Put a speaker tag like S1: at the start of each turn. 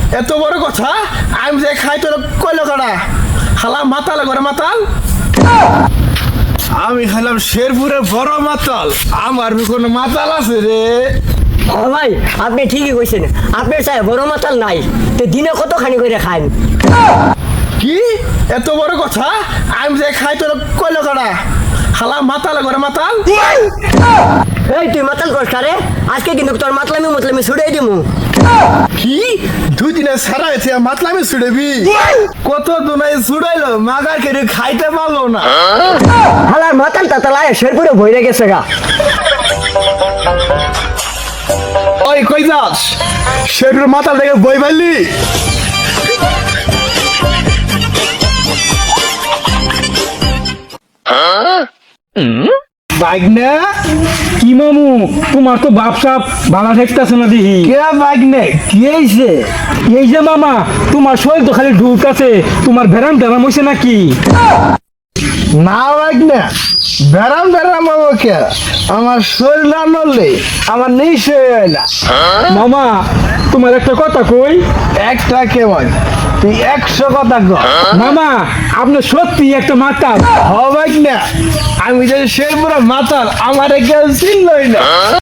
S1: এত বড় কথা আমি যে খাই তোর কইলো কাটা হালা মাতাল করে মাতাল আমি খেলাম শেরপুরের বড় মাতাল আমার কোনো মাতাল আছে রে
S2: ভাই আপনি ঠিকই কইছেন আপনার চাই বড় মাতাল নাই তো দিনে কতখানি করে খান
S1: কি এত বড় কথা আমি যে খাই তোর কইলো কাটা হালা মাতাল করে মাতাল
S2: এই তুই মাতাল কর কারে আজকে কিন্তু তোর মাতলামি ছুড়াই দিমু
S1: কি 2 দিনে সারা হয়েছে মাতলামি ছুড়েবি কত দুনাই ছুড়াইলো মাগার কেড়ে খাইতে পারলো না
S2: হালার মাতাল তাতালায় শেরপুরে ভইরে গেছে গা
S1: ওই কই যাস শেরপুর মাতাল থেকে বই পাইলি বাইক না
S3: কি মামু তোমার তো বাপ সাপ ভালো ঠেকতেছে না দেখি
S1: কে বাইক নে কি হয়েছে
S3: এই যে মামা তোমার শরীর তো খালি ঢুকাছে তোমার ভেরাম টেরাম হয়েছে নাকি
S1: না বাইক না বেরাম আমাকে আমার শরীর না নড়লে আমার নিশ্চয় হয় না
S3: মামা তোমার একটা কথা কই
S1: একটা কেমন তুই 100 কথা কর
S3: মামা আপনি সত্যি একটা মাতাল
S1: হ বাইক না আমি যে শেরপুরে মাতাল আমার কেউ চিনলই না